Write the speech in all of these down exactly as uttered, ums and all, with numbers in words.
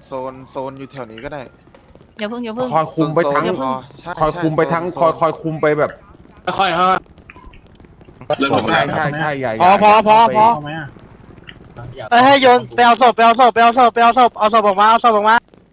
โซนโซนอยู่แถวนี้ก็ได้อย่าเพิ่งอย่าเพิ่งคอยคุมไปทั้งโซนโซนใช่คอยคุมไปทั้งโซนคอยคอยคุมไปแบบค่อยๆค่อยใช่ใช่ใช่ใหญ่พอพอพอพอๆไหมอ่ะเอ้ยให้โยนไปเอาศพไปเอาศพไปเอาศพไปเอาศพเอาศพออกมาเอาศพออกมา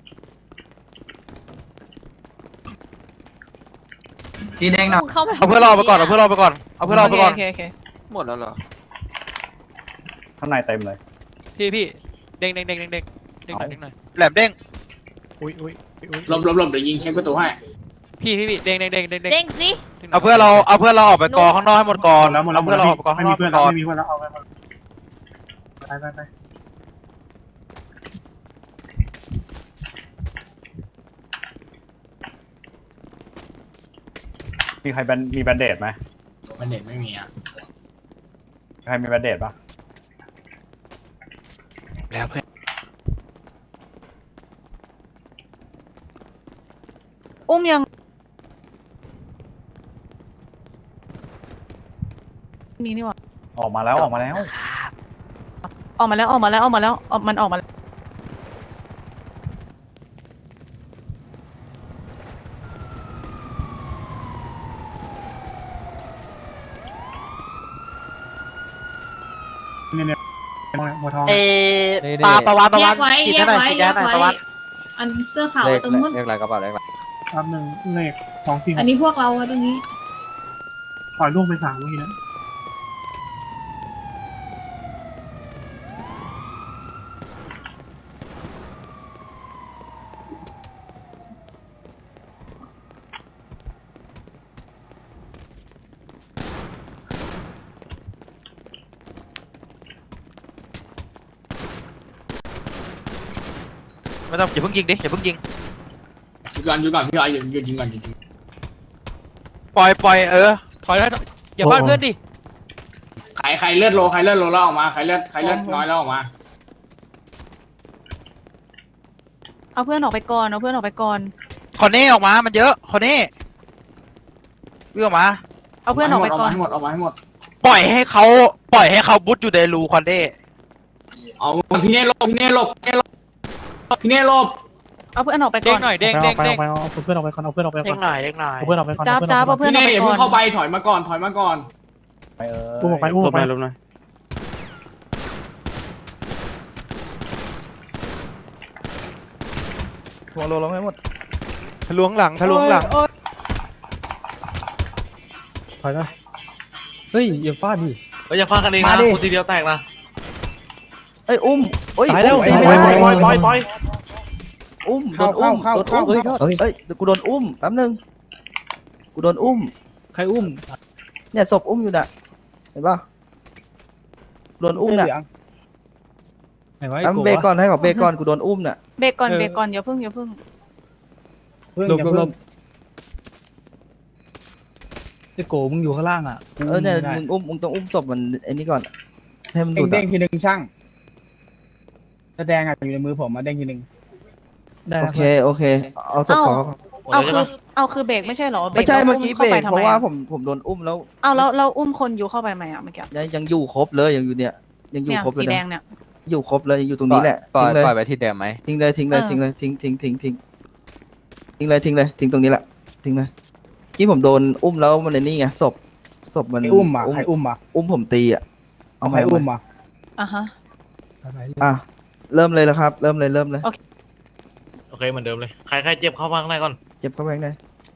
พี่เด้งหน่อยเข้ามาเอาเพื่อนเราไปก่อนเอาเพื่อนเราไปก่อนเอาเพื่อนเราไปก่อนโอเคโอเคหมดแล้วเหรอข้างในเต็มเลยพี่พี่เด้งเด้งเด้งเด้งเด้งเด้งหน่อยเด้งหน่อยแหลมเด้งอุ้ยอุ้ยอุ้ยหลบหลบหลบเดี๋ยวยิงเช็คประตูให้พี่พี่พี่เด้งเด้งเด้งเด้งเด้งเด้งสิเอาเพื่อนเราเอาเพื่อนเราออกไปกองข้างนอกให้หมดก่อนเอาเพื่อนเราออกไปกองข้างนอกไม่มีเพื่อนก่แล้วอนไม่มีเพื่อนแล้วเอาไปไปไปไปมีใครแบนมีแบนเดดไหมมันเด็ดไม่มีอ่ะใครมีแบนเดดปะแล้วเพื่อนอุ้มยังมีนี่หว่าออกมาแล้วออกมาแล้วออกมาแล้วออกมาแล้วออกมาแล้วออกมันออกมาแล้วเนี่ยเนี่ยหัวทองเอปลาประวานประวานแยกไว้ฉีดแยให้กหน่อยไว้ฉีดแยให้กหน่อยไว้ประวานอันเสื้อขาวตรงนู้นเรียกอะไรกระเป๋าเรียกอะไรครับหนึ่งเลขสองสี่หอักนนี้พวกเราอะตรงนี้ปล่อยลูกไปสามวินะไม่ต้องอย่าเพิ่งยิงดิอย่าเพิ่งยิงยิงก่อนยิงก่อนพี่ไอ้ยิงยิงก่อนยิงปล่อยปล่อยเออถอยแล้วอย่าพลาดเพื่อนดิใครใครเลือดโลใครเลือดโลแล้วออกมาใครเลือดใครเลือดน้อยแล้วออกมาเอาเพื่อนออกไปก่อนเอาเพื่อนออกไปก่อนคอนเน่ออกมามันเยอะคอนเน่วิ่งออกมาเอาเพื่อนออกไปก่อนให้หมดออกมาให้หมดปล่อยให้เขาปล่อยให้เขาบุดอยู่ในรูคอนเน่เอาพี่เน่หลบพี่เน่หลบพี่เน่หลบพี่เน่หลบเอาเพื่อนออกไปเด้ก่งอนหน่อยเด้งเด้งเด้งเอาเพื่อนออกไปก่อนเอาเพื่อนออกไปเด้งหน่อยเด้งหน่อยเอาเพื่อนออกไปก่อนจ้าบจ้าบเอาเพื่อนพี่ออกเน่ไปอย่าก่เพิ่อง นเข้าไปถอยมาก่อนถอยมาก่อนไปเอออุ้มออกไปอุ้มออกไปลบหน่อยหัวโลลงให้หมดทะลวงหลังทะลวงหลังถอยมาเฮ้ยอย่าฟาดดิเฮ้ยอย่าฟาดกันเองนะคนทีเดียวแตกนะเอ้ยอุ้มเอ้ยตายแล้วตีไม่ปล่ได้อยปล่อยปล่อยปล่อยอุ้มโดเข้านอุ้เข้าม เข้าโดนเข้าอุ้มเฮ้ยเอ้ยเดี๋ยวกูโดนอุ้มแป๊บนึงกูโดนอุ้มใครอุ้มเนี่ยศพอุ้มอยู่น่ะเห็นป่ะโดนอุ้มน่ะไหนวะแป๊บเบรกก่อนให้เขาเบรกก่อนกูโดนอุ้มน่ะเบรกก่อนเบรกก่อนอย่าเพิ่งอย่าเพิ่งหลบหลบหลบไอ้โกมึงอยู่ข้างล่างอ่ะเออเนี่ยมึงอุ้มมึงต้องอุ้มศพมันไอ้นี่ก่อนให้มันหเด้ลุงดเด้อะงทีหนึ่งช่างแสดงอ่ะอยู่ในมือผมมาเด้งทีหนึ่งได้โอเคโอเคเอาศพเขาเอาคือเอาคือเบรกไม่ใช่เหรอไม่ใช่แล้วเมื่อกี้ข้าเบรไปกทำเพไมราะว่าอะผมผมโดนอุ้มแล้วเอาแล้วเราอุ้มคนอยู่เข้าไปทำไมอ่ะเมื่อกี้ยังยังอยู่ครบเลยยังอยู่เนี่ยยังอยู่เนี่ยครบเลสียแดนะงเนี่ยอยู่ครบเลยยังอยู่ตรงนี้แหละปล่อยทิ้งเลยปล่อยไปที่เดิมไหมทิ้งเลยทิ้งเลยเออทิ้งเลยทิ้งทิ้งทิ้งทิ้งทิ้งเลยทิ้งเลยทิ้งตรงนี้แหละทิ้งเลยที่ผมโดนอุ้มแล้วมันในนี่ไงศพศพมันใครอุ้มอ่ะใครอุ้มอ่ะอุ้มผมตีอ่ะเอาใคไหรมอุ้มอ่ะอ่ะฮะอ่ะเริ่มเลยแล้วครับ เริ่มเลยเริ่มเลยโอเคเหมือนเดิมเลยใครใครเจ็บเข้ามาข้างในก่อนเจ็บเข้าไปข้างใน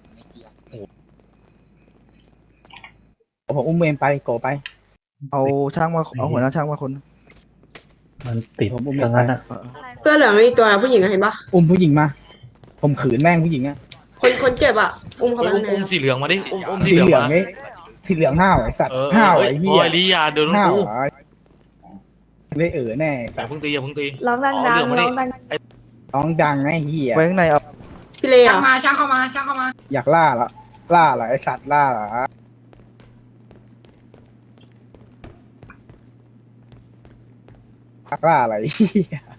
ผมอุ้มเองไปโกไปเอาช่างมาเอาหัวหน้าช่างมาคนมันติดผมอุ้มตเอรงงไปนั้นอ่ะเออเสื้อเหลืองมีตัวผู้หญิงเห็นปะอุ้มผู้หญิงมาผมขืนแม่งผู้หญิงอ่ะคนคนเจ็บอะอุ้มเข้าไปอุ้มข้างในอุ้มสีเหลืองมาดิอุ้มอุ้มสีสีเหลืองเหลืองมานี่สีเหลืองห้าวไอ้สัตว์เออห้าวเอ้ยไอ้เหี้โอ้ยยลียาเดินห้าวกูเหรอได้เออแน่อย่าเพิ่งตีอย่าเพิ่งตีร้องดังเอาเหลืองมาดิร้องดังน้องดังไอ้เหี้ยไว้ข้างในเอาพี่เลี้ยช่างมาช่างเข้ามาช่างเข้ามาอยากล่าละล่าเหรอไอ้สัตว์ล่าเหรออยากล่าอะไรไอ้เหี้ย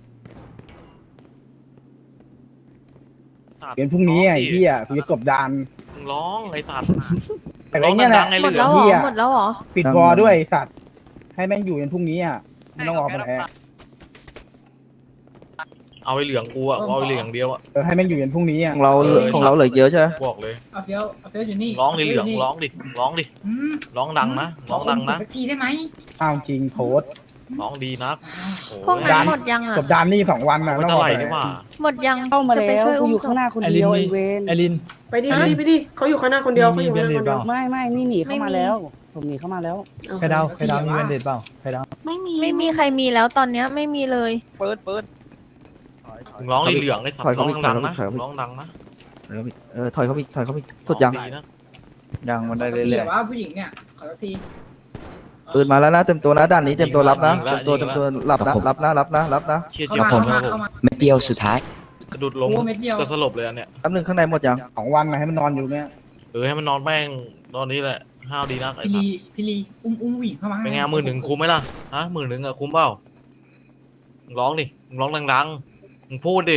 เป็นพรุ่งนี้ไอ้เหี้ยกูจะกบดานมึงร้องไอ้สัตว์แต่ร้ไอ้องเนี้ยแหดัละงๆไอ้หมดเหลืแล้อวงเหรอหมดแล้วเหรอปิดวอลด้วยไอ้สัตว์ให้แม่งอยู่จนพรุ่งนี้อ่ะไม่ต้องรอคนแอร์เเอาไอ้เหลืองกูอะเอาไอ้เหลืองอย่างเดียวอะเออให้แม่งอยู่ยันพรุ่งนี้ขอ่ะองเราของเราเหลือเยอะใช่ไหมบอกเลยเอาเฟี้ยวเอาเฟี้ยวอยู่นี่ร้องดิเหลืองร้องดิร้องดิอืมร้องดังนะร้องดังนะสักทีได้ไหมอ้าวจริงโพสต์ร้องดีนะโอ้พวกยนั้นหมดยังอ่ะจบดานนี่สองวันนะไม่ต้องเท่าบอไหกร่เลยนี่หว่าหมดยังเข้ามาจะไปแล้วช่วยกูอุ้มอยู่ข้างหน้าคนเดียวไอเวนไอรินไปดิไปดิไปดิเขาอยู่ข้างหน้าคนเดียวเขาอยู่ข้างหน้าคนเดียวไม่ไม่นี่หนีเข้ามาแล้ว ผมหนีเข้ามาแล้วใครดาวใครดาวมีแบนเด็ดเปล่าใครดาวไม่มีไม่มีใครมีแล้วตอนเนี้ยไม่มีเลยเปิดเปิดมึงร้องดิเหลืองไอ้สัตถอยว์เข้าร้องไปดังๆนะถอยเข้าไปร้องดังนะเออถอยเขาอีกถอยเขาอีกสุดยังร้อนะยังมันได้เรื่เดี๋อยยวว่าผู้หญิงเนี่ยขอสักทีๆปืนมาแล้วนะเต็มตัวนะด้านนี้เต็มตัวรับนะเต็มตัวเต็มตัวรับนะรับนะรับนะรับนะเชี่ยเข้าเจ็บมาผมเข้าคมารับผมเข้ามาเม็ดเดียวสุดท้ายกระดุดลงโอ้เม็ดเดียวจะสลบเลยอันเนี้ยแป๊บนึงข้างในหมดยังสองวันนะให้มันนอนอยู่เนี่ยเออให้มันนอนแม่งตอนนี้แหละห้าวดีนักไอ้พี่สัลีตว์พี่ลีอุ้มอุ้มผู้หญิงเข้ามาเป็นไงหมื่นหนึ่งคุ้มไหมล่ะฮะหมื่นหนึ่งอะคุ้มเปล่ามึงร้องดิมึงร้องดังๆมึงพูดดิ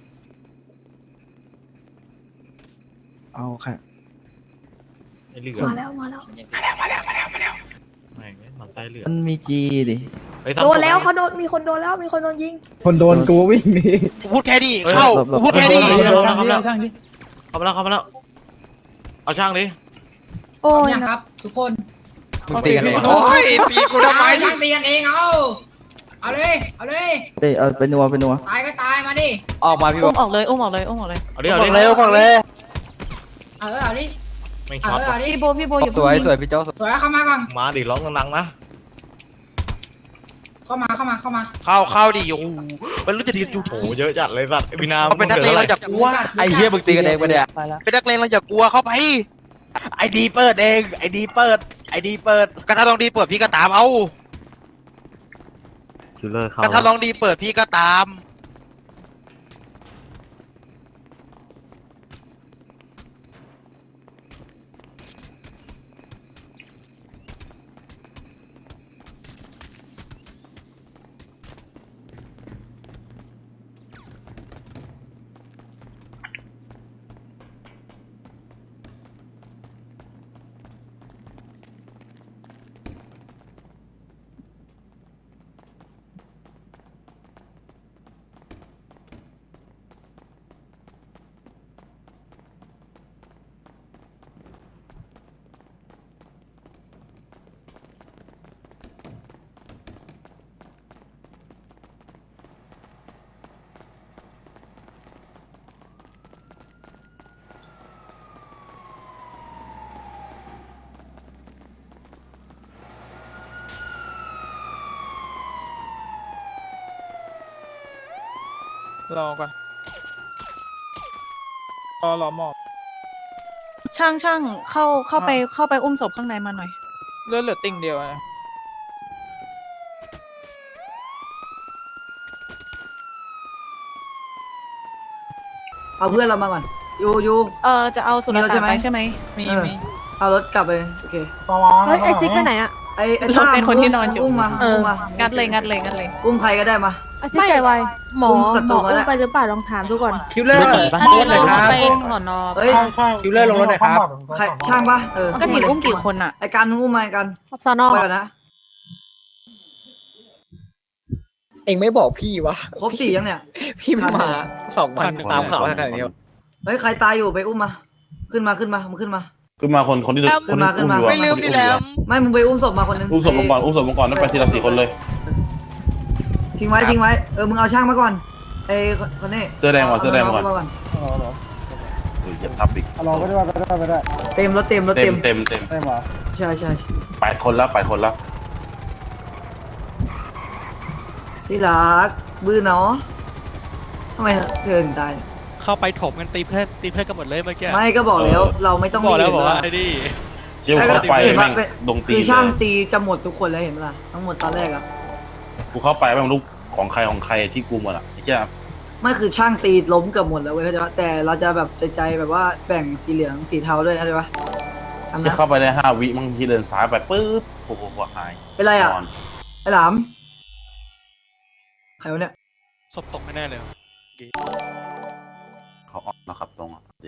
เอาค่ะไอ้เหลืองมาแล้วมาแล้วแม่งไอ้หมันไส้เหลืองมันมีจีดิไอ้โดนแล้วเขาโดนมีคนโดนแล้วมีคนโดนยิงคนโดนกูวิ่งหนีพูดแค่นี้เข้าพูดแค่นี้เข้ามาแล้วเข้ามาแล้วช่างดิเข้ามาแล้วเข้ามาแล้วเอาช่างดิโอ้ยเนี่ยนะครับทุกคนมึงตีกันเองโอ้ยตีกูทำไมช่างตีกันเองเอาเอาเลยเอาเลยเอ้ยเอาไปนัวไปนัวตายก็ตายมาดิออกมาพี่บอุ้อมกออกเลยอุ้มออกเลยอุ้มออกเลยเอาดิเอาดิเร็วฟังเลยเออเอาดิไม่เอช็อตอเอาดิพี่โบพี่โบอยู่สวยสวยพี่โจ้สวยเข้ามาก่อนมาดิร้องดังๆนะเข้ามาเข้ามาเข้ามาเข้าเข้าดิโอ้โหมันรู้จะดีอยู่โอ้โหเยอะจัดเลยสัตว์ไอ้พี่นาเขาเป็นนักเลงเราอย่ากลัวไอ้เหี้ยมึงตีกันเองปะเนี่ยไปแล้วเป็นนักเลงเราอย่ากลัวเข้าไปไอ้ดีเปิดเองไอ้ดีเปิดไอ้ดีเปิดกระทะลองดีเปิดพี่ก็ตามเอาคิลเลอร์เขากระทะลองดีเปิดพี่ก็ตามรอก่อนรอรอหมอบช่างช่างเข้าเข้าไปเข้าไปอุ้มศพข้างในมาหน่อยเลือดเหลือติ่งเดียวนะเอาเพื่อนเรามาก่อนยูยูเออจะเอาสุรมีแล้วใช่ตานไหมไปใช่ไหมมีมีเอารถกลับไปโอเคเฮ้ยไอซิกไปไหนอะไอ้ไอ้รถเป็นคนที่นอนอยู่อุ้มมาเอออุ้มมางัดเลยงัดเลยงัดเลยอุ้มใครก็ได้มาไอซิกใจไวหมออุ้มกระหมตุอกมาอุ้แล้มวไปหรือเปล่าลองถามดูก่อนคิวเลอร์อันนี้เราไปสอนอเฮ้ยคิวเลอร์ลงรถหน่อยครับใครช่างปะเออก็เห็นอุ้มกี่คนอ่ะไอ้การอุ้มมาไอ้การสอนอไปก่อนนะเองไม่บอกพี่วะครบสี่ยังเนี่ยพี่ไม่มาสองวันตามข่าวขนาดนี้เฮ้ยใครตายอยู่ไปอุ้มมา ขึ้นมาขึ้นมามึงขึ้นมาขึ้นมาคนคนที่ขึ้นมาขึ้นมาไม่ลืมดีแล้วไม่มึงไปอุ้มศพมาคนนึงอุ้มศพลงก่อนอุ้มศพลงก่อนแล้วไปทีละสี่คนเลยทิ้งไว้ทิ้งไว้เออมึงเอาช่างมาก่อนไอ้คนนี้เสื้อแดงก่อนเสื้อแดงก่อนามาก่อนเฮ้ยอย่าทับอีกรอก็ได้ก็ได้ก็ได้เต็มรถเต็มรถเต็เต็มมเต็มเต็มได้หมอใช่ใช่แปดคนแล้วแปดคนแล้วที่รักบื้อเนาะทำไมเธอถึงตายเข้าไปถมกันตีเพื่อนตีเพื่อนกันหมดเลยเมื่อกี้ไม่ก็บอกแล้วเราไม่ต้องบอกแล้วมีบอกว่าเห็นปะไอ้นี่เชี่ยวเข้าไปเห็นแม่ปะงเป็นดงตีคือเลช่างยตีจะหมดทุกคนแล้วเห็นปะล่ะทั้งหมดตอนแรกอะกูเข้าไปแม่งลูกของใครของใครที่กูหมดอ่ะไอ้เจ้าไม่คือช่างตีล้มเกือบหมดแล้วเว้ยเข้าใจปะแต่เราจะแบบใจใจแบบว่าแบ่งสีเหลืองสีเทาด้วยเข้าใจปะทำที่นะเข้าไปได้ห้าวิมั่งที่เดินซ้ายไปปึ๊บโอ้โหหายเป็นไรอะนอนไอ้หลามใครวะเนี่ยศพตกไม่แน่เลยเขาออกนะครับตรงอ่ะดิ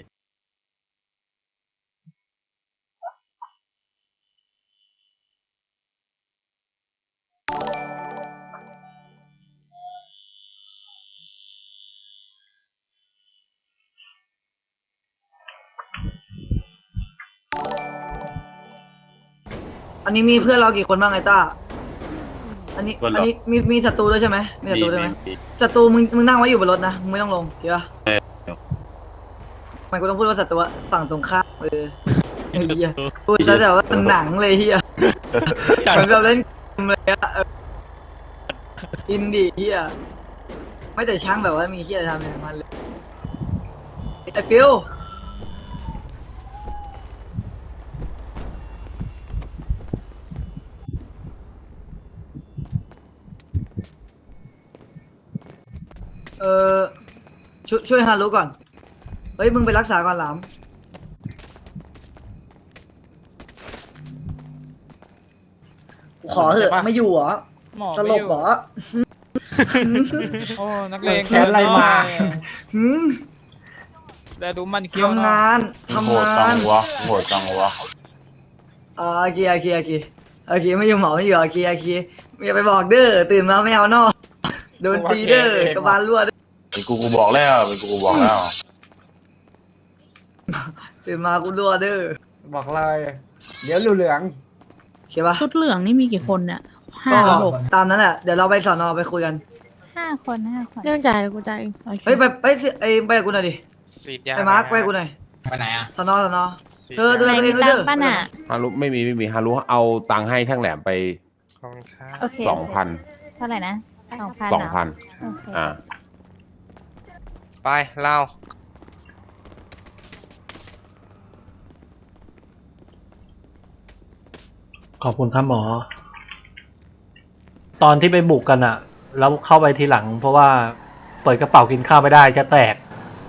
อันนี้มีเพื่อนเรากี่คนบ้างไอ้ต้าอันนี้อันนี้มีมีศัตรูด้วยใช่ไหมมีศัตรูด้วยไหมศัตรูมึงมึงนั่งไว้อยู่บนรถนะมึงไม่ต้องลงเดี๋ยวมันกูต้องพูดว่าศัตรูฝั่งตรงข้ามเออไอ้เหี้ยพูดซะแต่ว่าเป็นหนังเลยเหี้ยเหมือนเราเล่นเกมเลยอะอินดี้เหี้ยไม่แต่ช่างแบบว่ามีเหี้ยทำอะไรมันเลยไอ้ฟิวเออช่วยช่วยฮารุก่อนเฮ้ยมึงไปรักษาก่อนหลามกูขอเถอะไม่อยู่เหรอสลบเหรอโอ้นักเลงแขนอะไรมาหืมแต่ดูมันเคี้ยวทำเนาะงานทำโหดงาจันงวะโหดจังวะอ๋อโอเคโอเคโอเคโอเคไม่อยู่หมอไม่อยู่โอเคโอเคอย่าไปบอกเด้อตื่นมาไม่เอานอกโดนตีเด้อกระบาลรั่วเด้อเป็นกูกูบอกแล้วเป็นกูกูบอกแล้วตื่นมากูรั่วเด้อบอกเลยเดี๋ยวเหลืองใช่ปะชุดเหลืองนี่มีกี่คนเนี่ยห้าก็หกตามนั้นแหละเดี๋ยวเราไปสอนอไปคุยกันห้าคนห้าคนเรื่องจ่ายกูจ่ายโอเคเฮ้ยไปไปสิไอ้ไปกับกูหน่อยดิสีดยาไอ้มาร์คไปกับกูหน่อยๆไปไหนอ่ะสอนอสอนอสีดเธอเธอไหนมีตังค์ป่ะน่ะฮารุไม่มีไม่มีฮารุเอาตังค์ให้ช่างแหลมไปขอบคุณครับโอเคสองพันเท่าไหร่นะสองพันสองพันโอเคอ่าไปเล่าขอบคุณครับหมอ ตอนที่ไปบุกกันอะแล้วเข้าไปทีหลัง เพราะว่าเปิดกระเป๋ากินข้าวไม่ได้จะแตก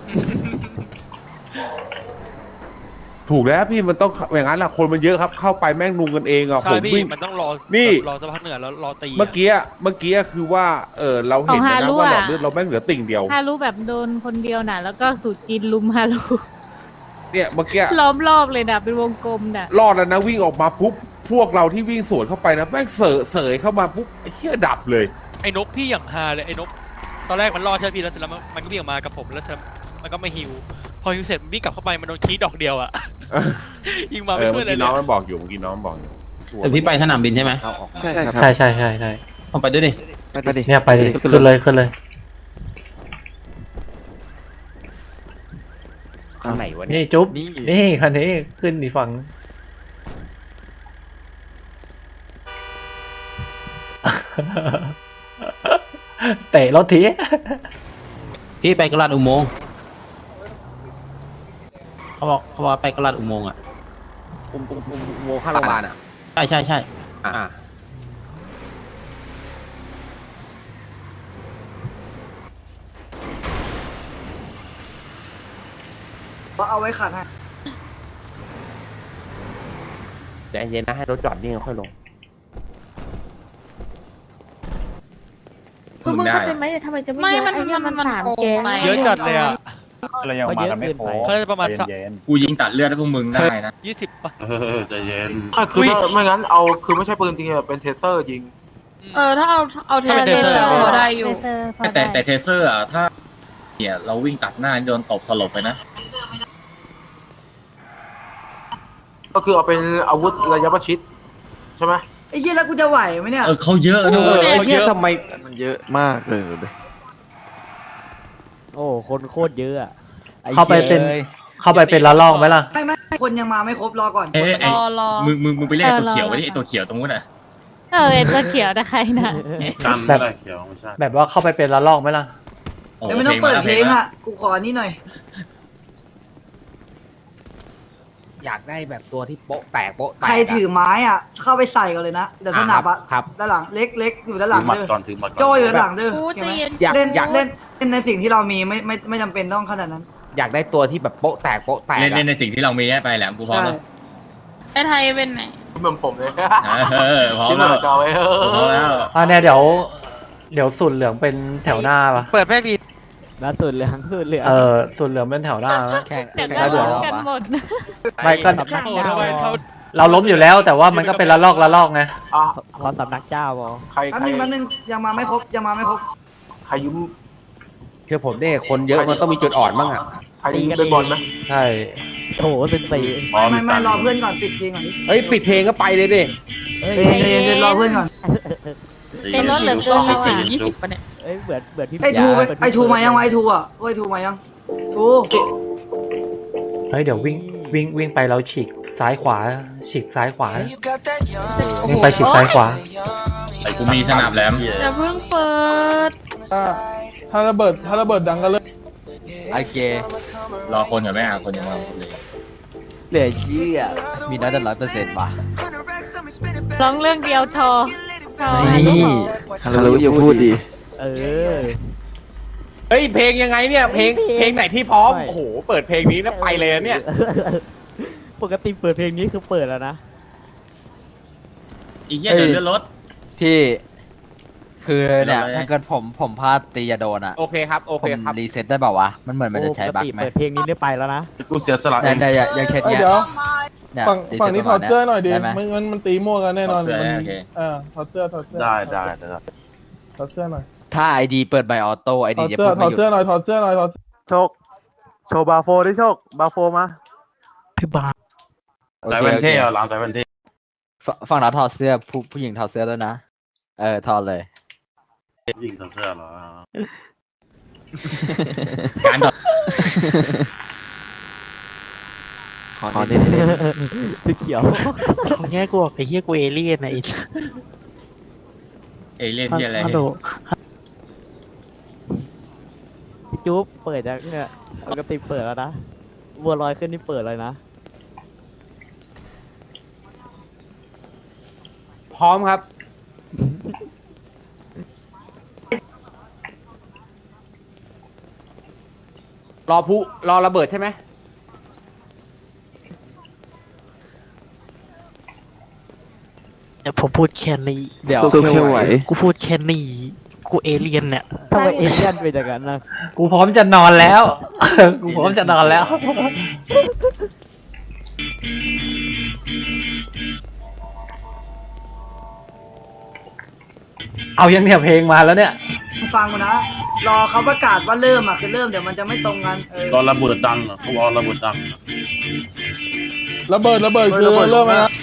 ถูกแล้วพี่มันต้องอย่างนั้นแหละคนมันเยอะครับเข้าไปแม่งนุงกันเองอ่ะใช่ผมพี่วิ่งมันต้องรอนี่รอสักพักเหนือแล้วรอตีะเมื่อกี้เมื่อกี้คือว่าเออเราเห็นแล้วนะว่าหลอดเลือดเราแม่งเหลือติ่งเดียวฮารุแบบโดนคนเดียวน่ะ แล้วก็สูตรจีนลุมฮารุเนี่ยเมื่อกี้ล้อมรอบเลยน่ะเป็นวงกลมน่ะรอดแล้วนะวิ่งออกมาปุ๊บพวกเราที่วิ่งสวนเข้าไปนะแม่งเสยเสยเข้ามาปุ๊บไอ้เหี้ยดับเลยไอ้นกพี่อย่างฮาเลยไอ้นกตอนแรกมันรอดใช่ไหมพี่แล้วเสร็จแล้วมันมันก็วิ่งออกมากับผมแล้วเสร็จมันก็ไม่ฮิวพอฮิวเสร็จมันวิ่งกลับเข้าไปมันโดนคีดดอกเดียวอะ ยิงมาเอไม่อช่วเมื่ยอเลยกี้เลน้องยมันบอกอยู่เมื่อกี้น้องมันบอกอยู่แต่พี่ไปสนามบินใช่ไหมใช่ครับใช่ใช่ใช่ใช่ผมไปด้วยดิไปดิเนี่ยไปดิขึ้นเลยขึ้นเลยข้างไหนวะนี่เนี่ยจุ๊บนี่คันนี้ขึ้นอีกฝั่ง เตะรถทีพี่ไปกระลาดอุโมงค์เขาบอกเขาบอกไปกระลาดอุโมงค์อ่ะอุโมงค์อุโมงค์ข้างโรงพยาบาลอ่ะใช่ใช่ใช่อ่าก็เอาไว้ขัดให้ใจเย็นนะให้รถจอดนิ่งค่อยลงคือมึงเข้าใจไหมทำไมจะไม่เยอะไอ้เนี่ยมันสามแกงเยอะจัดเลยอะเรายังมากันไม่ครบเขาจะประมาณสักใจเย็นกูยิงตัดเลือดให้พวกมึงได้นะยี่สิบป่ะเออใจเย็นคือถ้าไม่งั้นเอาคือไม่ใช่ปืนจริงเป็นเทเซอร์ยิงเออถ้าเอาเอาเทเซอร์พอได้อยู่แต่แต่เทเซอร์อ่ะถ้าเนี่ยเราวิ่งตัดหน้าโดนตบสลบไปนะก็คือเอาเป็นอาวุธระยะประชิดใช่ไหมไอ้เหี้ยแล้วกูจะไหวไหมเนี่ยเออเขาเยอะด้เอวอย เขาเยอะทำไมมันเยอะมากเลยโอ้คนโคตรเยอะอะไอ้เข้าไปเป็นหี้ยเข้าไปเป็นละลอกไหมล่ะไม่ไม่คนยังมาไม่ครบรอก่อนเอ้ยไอ้รอรอมึงมึงมึงไปเรียกไอ้ตัวเออรอเขียวไว้ดิไอ้ตัวเขียวตรงนู้นอ่ะเออไอ้ตัวเขียวนะใครน่ะกันแบบไม่ได้เขียวไม่ใช่แบบว่าเข้าไปเป็นละลอกไหมล่ะโอ้เดี๋ยวไม่ต้องเปิดเพลงมาอ่ะกูขอนี่หน่อยอยากได้แบบตัวที่โป๊ะแตกโป๊ะแตกใครถือไม้อ่ะ เข้าไปใส่ก่อนเลยนะเดี๋ยวสนับอ่ะครับด้านหลังเล็กเล็กอยู่ด้านหลัถืงอหมัดเด้อก่อนถือหมัดก่อนโจอยู่ด้านหลังเด้อกูใจเย็นอยากเล่นอยากเล่นเล่นในสิ่งที่เรามีไม่ไม่ไม่จำเป็นต้องขนาดนั้นอยากได้ตัวที่แบบโป๊ะแตกโป๊ะแตกเล่นอะเล่นในสิ่งที่เรามีให้ไปแหลมกูพร้อมใช่แล้วไอ้ไทยเป็นไหนเหมือนผมเลยเออพร้อมที่เหมืแล้อวนเราไว้เอพร้อมอแล้วอ่าเนี่ยเดี๋ยว เดี๋ยวสูตรเหลืองเป็นแถวหน้าปะเปิดแม่งดีล่าสุดเหลืองสุดเหลืองเออสูตรเหลืองเป็นแถวหน้านะแข่งเดี๋ยวแข่งก็แล้วล้เดี๋ยวมกันหมดไม่ก็สำนักโอ้เจ้าทำไมเขาเราล้มอยู่แล้ว แต่ว่ามันก็เป็นละลอกละลอกไงอ่ะขอสำนักเจ้าบอใครแป๊บใครนึงแป๊บนึงยังมาไม่ครบยังมาไม่ครบใครยืมคือผมเนี่ยคนเยอะมันต้องมีจุดอ่อนบ้างอ่ะใครยืมเป็นบอลไหมใช่โถเป็นปีอ๋อไม่ไม่การรอเพื่อนก่อนปิดเพลงก่อนดิเฮ้ยปิดเพลงก็ไปเลยดิเย็นเย็นเย็นรอเพื่อนก่อนเป็นรถเหลือเกินเราอ่ะยี่สิบปะเนี่ยเอ้ยเหมือนเหมือนพี่ไอทูไปไอทูมายังวะไอทูอ่ะไอทูมายังทูเฮ้ยเดี๋ยววิ่งวิ่งวิ่งไปเราฉีกซ้ายขวาฉีกซ้ายขวาวิ่งไปฉีกซ้ายขวาไอ้กูมีสนับแหลมอย่าเพิ่งเปิดถ้าระเบิดถ้าระเบิดดังก็เลยโอเครอคนก่อนไหมอ่ะคนยังมาคนเลยเหลือเยี่ยมีน้อยแต่ร้อยเปอร์เซ็นต์ว่ะร้องเรื่องเดียวทอทอนี่ฮัลโหลอย่าพูดดิเออเฮ้ยเพลงยังไงเนี่ยเพลงเพลงไหนที่พร้อมโอ้โหเปิดเพลงนี้แล้วไปเลยเนี่ยปกติเปิดเพลงนี้คือเปิดแล้วนะอีกเหี้ยเดี๋ยวเลื่อนรถพี่คือเนี่ยเป็นอะไรถ้าเกิดผมผมพลาดตีจะโดนอ่ะโอเคครับโอผเคมครับรีเซ็ตได้เปล่าวะมันเหมือนมันจะใช้บั๊กไหมเปิดเพลงนี้ได้ไปแล้วนะกูเสียสละเอแต่งแต่อย่างอย่างเช่นเนี้ยเดี๋ยวเนี่ยฝั่งรีฝั่ซ็งตนี้ปถระอมาดณเสื้อหน่อยดิได้ไหมมันมันมันตีมั่วกันแน่นอนถอดเสื้อมันโอเคเออถอดเสื้อถอดเสื้อได้ได้ได้ถอดเสื้อหน่อยถ้าไอดีเปิดใบออโต้ไอถดีอดจะเสื้อพูดถไม่อดหยุดเสื้อหน่อยถอดเสื้อหน่อยถอดโชคโชว์บาโฟดิโชคบาโฟมาพี่บาโอสายเคแว่นโอเคเท่อะหลังสายแว่นเท่ฝฝั่งเราถอดเสื้อผู้ผู้หญิงถอดเสื้อแล้วยนะเออถอดเลยยิงถอดเสื้อเหรอการถอดขอเน้นสีเขียวเขาแง่กูไอ้เหี้ยกูเอเลี่ยนไอ้เอเล่นที่อะไรฮัลโหลพี่จุ๊บเปิดยังเนี่ยปกติเปิดแล้วนะบัวลอยขึ้นนี่เปิดเลยนะพร้อมครับ รอผู้รอระเบิดใช่ไหมเดี๋ยวผมพูดแค่นี้เดี๋ยวสู้แค่ไหวกูพูดแค่นี้กูเอเลี่ยนเนี่ยทำไมเอเลี่ยนเป็นอย่างนั้นนะกูพร้อมจะนอนแล้ว กูพร้อมจะนอนแล้ว เอายังเนี่ยเพลงมาแล้วเนี่ยฟังกูนะ รอเขาประกาศว่าเริ่มอ่ะคือเริ่มเดี๋ยวมันจะไม่ตรงกันเออรอระเบิดดังอะเขารอระเบิดดังระเบิดระเบิดคือเริ่มแล้วนะ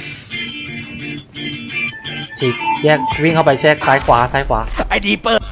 ฉีกแยกวิ่งเข้าไปแชกซ้ายขวาซ้ายขวาไอดีเปิด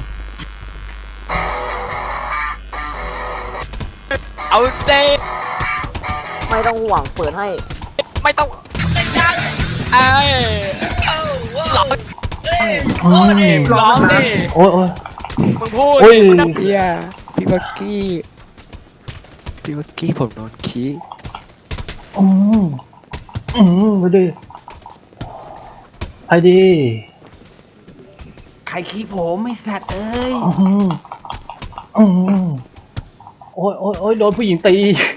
เอาเจไม่ต้องห่วงเปิดให้ไม่ต้องไอ้ร้องร้องดิร้องดิโอ้ยโอ้ยมึงพูดโอ้ยเฮียพี่บักกี้พี่บักกี้ผมโดนขี้อืมอืมไปดิไปดิใครขี้ผมไม่สัตว์เอ้ยอืมอืมโอ้ยโอ้ยโอ้ยโดนผู้หญิงตี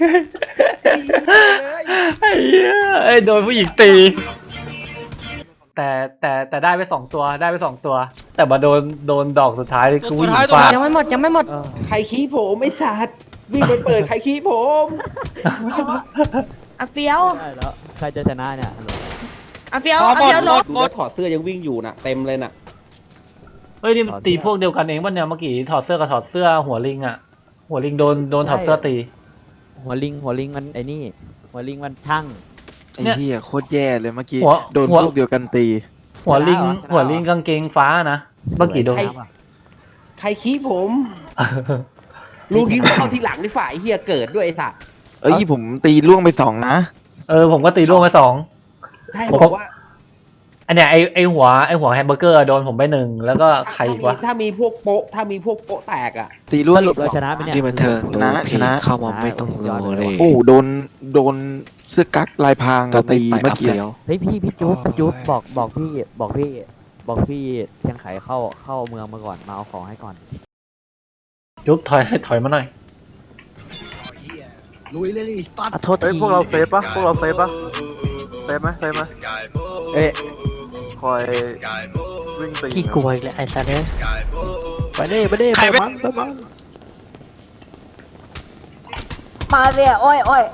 ไอ้เหี้ยไอ้โดนผู้หญิงตี แต่แต่แต่ได้ไปสองตัวได้ไปสองตัว แต่มาโดนโดนดอกสุดท้ายคือผู้หญิงฟาดยังไม่หมดยังไม่หมดเออใครขี้ผมไม่สัตว์วิ่งไปเปิดใครขี้ผมอ่ะเฟี้ยวได้แล้วใครจะชนะเนี่ยอ่ะเฟี้ยวอ่ะเฟี้ยวลบดูแล้วถอดเสื้อยังวิ่งอยู่น่ะเต็มเลยน่ะเฮ้ยนี่มันตีพวกเดียวกันเองป่ะเนี่ยเมื่อกี้ถอดเสื้อกับถอดเสื้อหัวลิงอ่ะ หัวลิงโดนโดนถอดเสื้อตีหัวลิงหัวลิงมันไอ้นี่ หัวลิงมันช่างไอ้เหี้ยโคตรแย่เลยเมื่อกี้หัวโดนหัวพวกเดียวกันตีหัวลิงชนะเหรอชนะเหรอหัวลิงกางเกงฟ้านะเมื่อกี้โดนใคร ใครขี้ผมรู้ขี้เข้าที่หลังนี่ฝ่ายเฮียเกิดด้วยไอ้สัตว์เอ้ยผมตีล่วงไปสองนะเออผมก็ตีล่วงไปสองใช่ผมบอกว่าอันเนี้ยไอไอหัวไอหัวแฮมเบอร์เกอร์โดนผมไปหนึ่งแล้วก็ใครอีกวะถ้ามีพวกโป๊ะถ้ามีพวกโป๊ะแตกอ่ะตีล่วงสรุปเราชนะไหมเนี่ยที่บันเทิงชนะชนะเข้ามาไม่ต้องรอเลยโอ้โดนโดนเสื้อกั๊กลายพรางอะตีเมื่อกี้เฮ้ยพี่พี่จุ๊บพี่จุ๊บบอกบอกพี่บอกพี่บอกพี่เชียงไขเข้าเข้าเมืองมาก่อนมาเอาของให้ก่อนยุบถอยถอยมาหน่อยขอโทษทีพวกเราเซฟปะพวกเราเซฟปะเซฟไหมเซฟไหมเอ๊ะคอยวิ่งตีพี่กลัวอีกแล้วไอ้สัตว์เนี่ยไปเด้ไปเด้ไปมั้งไปมั้งมาเลยอ้อยอ้อย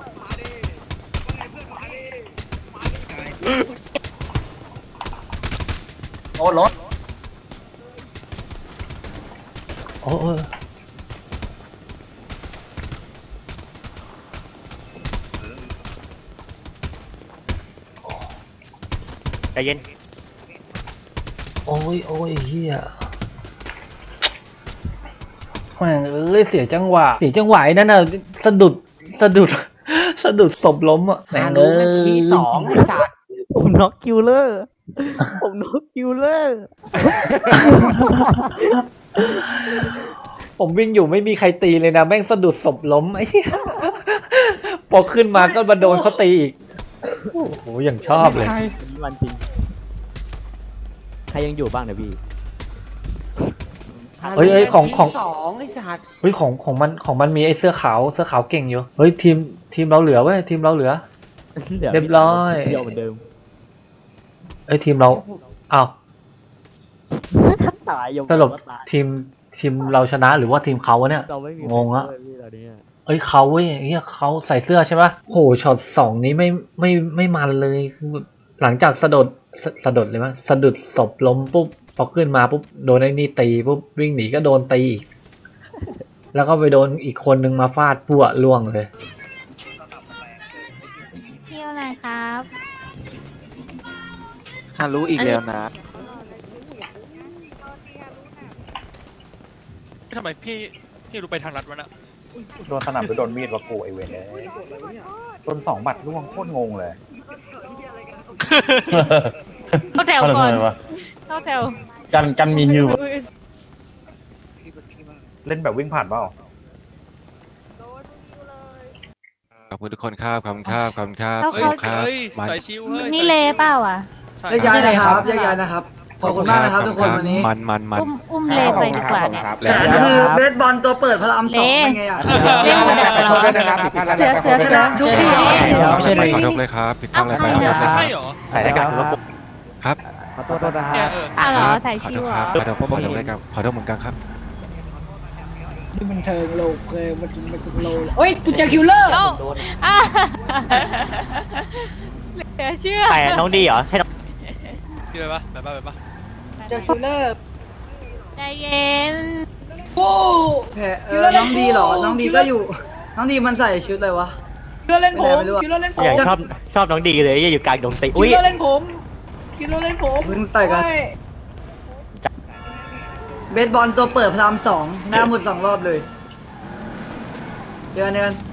โอ้รถโอ้โอ้ใจเย็นโอ้ยโอ้ยเฮียแม่งเอ้ยเสียจังหวะเสียจังหวะไอ้นั่นน่ะสะดุดสะดุดสะดุดศพล้มอ่ะแม่งเอ้ยผมน็อกคิวเลอร์ผมน็อกคิวเลอร์ผมวิ่งอยู่ไม่มีใครตีเลยนะแม่งสะดุดศพล้มไอ้เหี้ยพอขึ้นมาก็มาโดนเขาตีอีกโอ้โหอย่างชอบเลยนี่มันจริงใครยังอยู่บ้างเนี่ยพี่เฮ้ยเฮ้ยของของเฮ้ยของของมันของมันมีไอ้เสื้อขาวเสื้อขาวเก่งอยู่เฮ้ยทีมทีมเราเหลือเว้ยทีมเราเหลือ เรียบร้อยเดียวเหมือนเดิมเอ้ยทีมเราอ้าวตายยังสรุปตายทีมทีมเราชนะหรือว่าทีมเขาวะเนี่ยเราไม่มีงงอะใครช่วยพี่ตอนนี้อะเอ้ยเขาเว้ยเฮียเขาใส่เสื้อใช่ปะโหช็อตสองนี้ไม่ไม่ไม่มันเลยคือหลังจากสะดุดสะสะดุดเลยมั้ยสะดุดศพล้มปุ๊บพอขึ้นมาปุ๊บโดนไอ้นี่ตีปุ๊บวิ่งหนีก็โดนตีอีกแล้วก็ไปโดนอีกคนนึงมาฟาดปั้วล่วงเลยเที่ยวไหนครับฮารู้อีกแล้วนะทำไมพี่พี่รู้ไปทางลัดวะน่ะโดนสนับหรือโดนมีดวะกูไอเวนเลยโดนสองบัตรล่วงโคตรงงเลยเข้าแถวก่อน เข้าแถวกันกันมีฮิวเล่นแบบวิ่งผ่านเปล่าขอบคุณทุกคนครับขอบคุณครับขอบคุณครับเอาเฮ้ยครับเฮ้ยมาสายชิวเฮ้ยนี่เลเปล่าอ่ะใช่แยกย้ายนะครับแยกย้ายนะครับ ขอบคุณมากนะครับทุกคนวันนี้มันมันมันอุ้มอุ้มเลไปดีกว่าเนี่ยแล้วแต่คือเบสบอลตัวเปิดพระรามสองเป็นไงอ่ะเล่นมาดักเราเสือเสือเสือทุกทีขอโทษเลยครับผิดพลาดอะไรไปขอโทษเลยคใช่รับเหรอใส่หน้ากากแล้วครับขอโทษด้วยนะคเนี่ยรับเอออ้าวเหรอใส่ขอชิโทวษเหครรัอบขอโทษขอโทษเลยครับขอโทษเหมือนกันครับนี่มันเทิงโลกเลยมันมันถึงโลเลยเฮ้ยกูเจอคิวเลอร์อ่ะเหลือเชื่อแต่น้องดีเหรอให้น้องพี่ไปปะไปปะไปปะเจอคิวเลอร์ใจเย็นโอ้แพ้เออน้องดีเหรอ น้องดีก็อยู่ น้องดีมันใส่ชุดอะไรวะคิวเลอร์เล่นผมไม่รู้อะคิวเลอร์เล่นผมอยากชอบชอบน้องดีเลยอยู่กลางดงติคิวอุ้ยเลอร์เล่นผมคิวเลอร์เล่นผมเพิ่งใส่กันโอ้ยเบสบอลตัวเปิดพระรามสองหน้าหมดสองรอบเลยเดือนเดือน